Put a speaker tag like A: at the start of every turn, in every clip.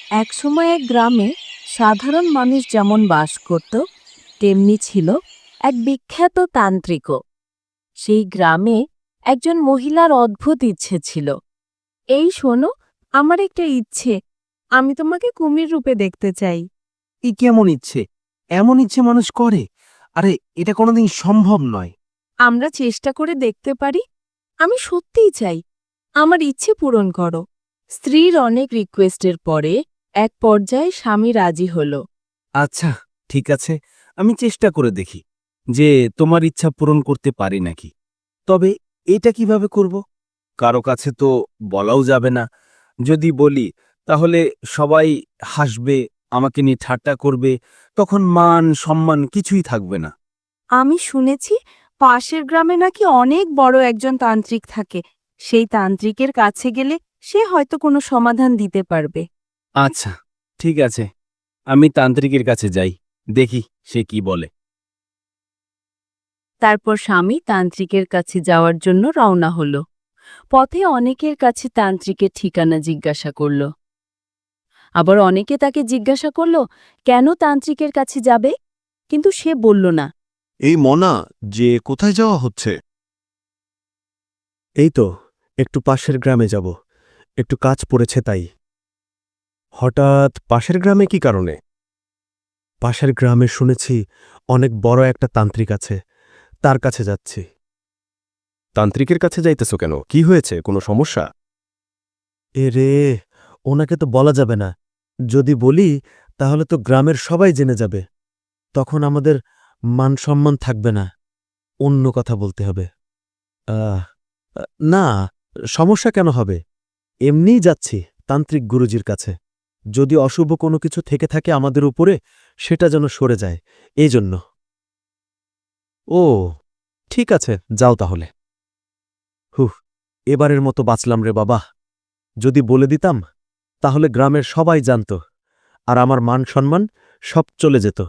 A: একসময় এক গ্রামে সাধারণ মানুষ যেমন বাস করত তেমনি ছিল এক বিখ্যাত তান্ত্রিকও। সেই গ্রামে একজন মহিলার অদ্ভুত ইচ্ছে ছিল। এই শোনো, আমার একটা ইচ্ছে, আমি তোমাকে কুমির রূপে দেখতে চাই।
B: এই কেমন ইচ্ছে? এমন ইচ্ছে মানুষ করে? আরে, এটা কোনোদিন সম্ভব নয়।
A: আমরা চেষ্টা করে দেখতে পারি। আমি সত্যিই চাই, আমার ইচ্ছে পূরণ করো। স্ত্রীর অনেক রিকোয়েস্টের পরে এক পর্যায়ে স্বামী রাজি হল।
B: আচ্ছা, ঠিক আছে, আমি চেষ্টা করে দেখি যে তোমার ইচ্ছা পূরণ করতে পারি নাকি। তবে এটা কিভাবে করব? কারো কাছে তো বলাও যাবে না। যদি বলি তাহলে সবাই হাসবে, আমাকে নিয়ে ঠাট্টা করবে, তখন মান সম্মান কিছুই থাকবে না।
A: আমি শুনেছি পাশের গ্রামে নাকি অনেক বড় একজন তান্ত্রিক থাকে। সেই তান্ত্রিকের কাছে গেলে সে হয়তো কোনো সমাধান দিতে পারবে।
B: আচ্ছা, ঠিক আছে, আমি তান্ত্রিকের কাছে যাই, দেখি সে কি বলে।
A: তারপর স্বামী তান্ত্রিকের কাছে যাওয়ার জন্য রওনা হল। পথে অনেকের কাছে তান্ত্রিকের ঠিকানা জিজ্ঞাসা করল। আবার অনেকে তাকে জিজ্ঞাসা করল কেন তান্ত্রিকের কাছে যাবে, কিন্তু সে বলল না।
C: এই মনা, যে কোথায় যাওয়া হচ্ছে? এই তো একটু পাশের গ্রামে যাব, একটু কাজ পড়েছে তাই। হঠাৎ পাশের গ্রামে কি কারণে? পাশের গ্রামে শুনেছি অনেক বড় একটা তান্ত্রিক আছে, তার কাছে যাচ্ছি। তান্ত্রিকের কাছে যাইতেছ কেন? কি হয়েছে, কোনো সমস্যা? এ রে, ওনাকে তো বলা যাবে না। যদি বলি তাহলে তো গ্রামের সবাই জেনে যাবে, তখন আমাদের মান সম্মান থাকবে না। অন্য কথা বলতে হবে। আহ না, সমস্যা কেন হবে? এমনিই যাচ্ছি তান্ত্রিক গুরুজির কাছে। যদি অশুভ কোনো কিছু থেকে থাকে আমাদের উপরে, সেটা যেন সরে যায়, এই জন্য। ও, ঠিক আছে, যাও তাহলে। হুহ, এবারের মতো বাঁচলাম রে বাবা। যদি বলে দিতাম তাহলে গ্রামের সবাই জানত, আর আমার মান সম্মান সব চলে যেত।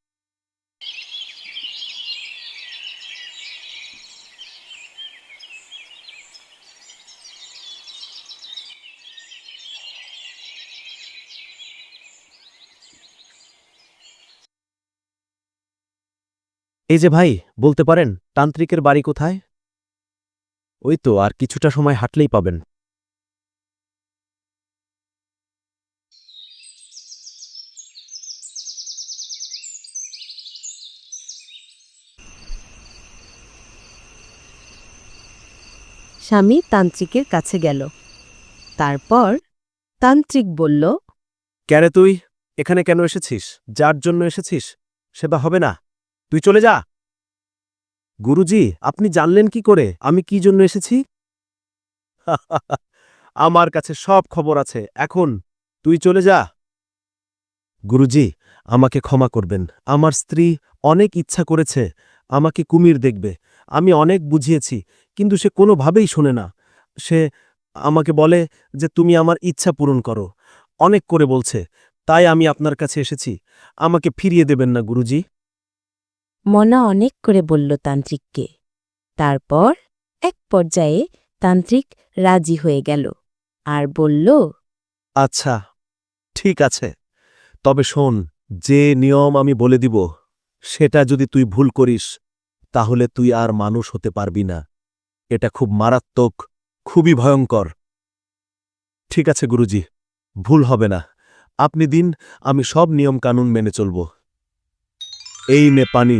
C: এই যে ভাই, বলতে পারেন তান্ত্রিকের বাড়ি কোথায়? ওই তো আর কিছুটা সময় হাঁটলেই পাবেন।
A: স্বামী তান্ত্রিকের কাছে গেল। তারপর তান্ত্রিক বলল,
C: ক্যারে তুই এখানে কেন এসেছিস? যার জন্য এসেছিস সেটা হবে না, তুই চলে যা। গুরুজি, আপনি জানলেন কি করে আমি কি জন্য এসেছি? আমার কাছে সব খবর আছে, এখন তুই চলে যা। গুরুজি, আমাকে ক্ষমা করবেন। আমার স্ত্রী অনেক ইচ্ছা করেছে আমাকে কুমির দেখবে। আমি অনেক বুঝিয়েছি, কিন্তু সে কোনোভাবেই শোনে না। সে আমাকে বলে যে তুমি আমার ইচ্ছা পূরণ করো, অনেক করে বলছে। তাই আমি আপনার কাছে এসেছি। আমাকে ফিরিয়ে দেবেন না গুরুজি?
A: মনা অনেক করে বলল তান্ত্রিককে। তারপর এক পর্যায়ে তান্ত্রিক রাজি হয়ে গেল আর বলল,
C: আচ্ছা, ঠিক আছে, তবে শোন, যে নিয়ম আমি বলে দিব সেটা যদি তুই ভুল করিস তাহলে তুই আর মানুষ হতে পারবি না। এটা খুব মারাত্মক, খুবই ভয়ঙ্কর। ঠিক আছে গুরুজি, ভুল হবে না। আপনি দিন, আমি সব নিয়ম কানুন মেনে চলব। এই নে পানি।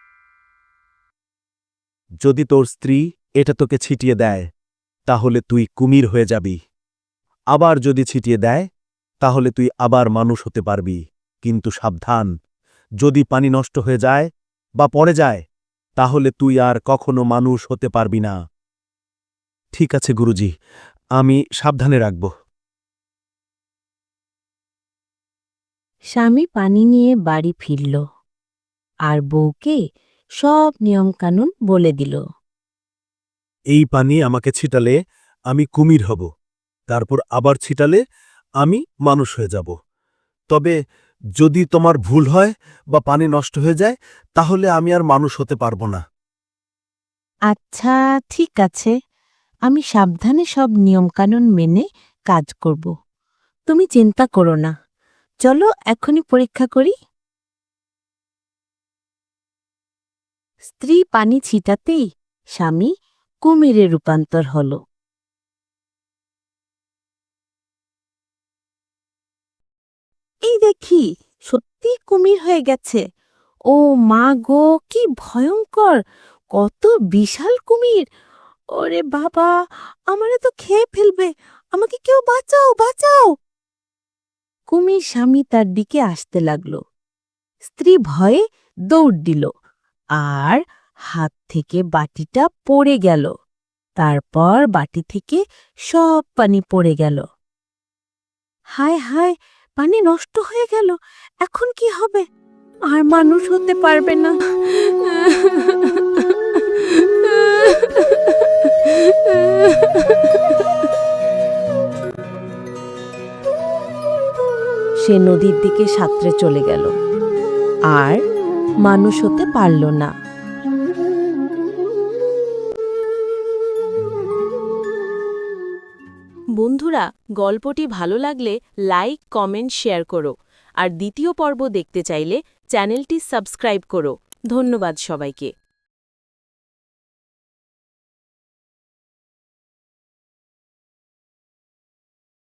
C: যদি তোর স্ত্রী এটা তোকে ছিটিয়ে দেয় তাহলে তুই কুমির হয়ে যাবি। আবার যদি ছিটিয়ে দেয় তাহলে তুই আবার মানুষ হতে পারবি। কিন্তু সাবধান, যদি পানি নষ্ট হয়ে যায় বা পড়ে যায় তাহলে তুই আর কখনো মানুষ হতে পারবি না। ঠিক আছে গুরুজি, আমি সাবধানে রাখব।
A: স্বামী পানি নিয়ে বাড়ি ফিরল আর বউকে সব নিয়মকানুন বলে দিল।
C: এই পানি আমাকে ছিটালে আমি কুমির হব, তারপর আবার ছিটালে আমি মানুষ হয়ে যাব। তবে যদি তোমার ভুল হয় বা পানি নষ্ট হয়ে যায় তাহলে আমি আর মানুষ হতে পারব না।
A: আচ্ছা, ঠিক আছে, আমি সাবধানে সব নিয়মকানুন মেনে কাজ করব। তুমি চিন্তা করো না, চলো এখনই পরীক্ষা করি। স্ত্রী পানি ছিটাতেই স্বামী কুমিরে রূপান্তর হল। এই দেখি, সত্যি কুমির হয়ে গেছে। ও মা গো, কি ভয়ঙ্কর! কত বিশাল কুমির! ওরে বাবা, আমারে তো খেয়ে ফেলবে। আমাকে কেউ বাঁচাও, বাঁচাও! কুমির স্বামী তার দিকে আসতে লাগল। স্ত্রী ভয়ে দৌড় দিল, আর হাত থেকে বাটিটা পড়ে গেল। তারপর বাটি থেকে সব পানি পড়ে গেল। হায় হায়, পানি নষ্ট হয়ে গেল। এখন কি হবে? আর মানুষ হতে পারবে না। সে নদীর দিকে সাঁতরে চলে গেল, আর মানুষ হতে পারল না।
D: বন্ধুরা, গল্পটি ভালো লাগলে লাইক, কমেন্ট, শেয়ার করো। আর দ্বিতীয় পর্ব দেখতে চাইলে চ্যানেলটি সাবস্ক্রাইব করো। ধন্যবাদ সবাইকে।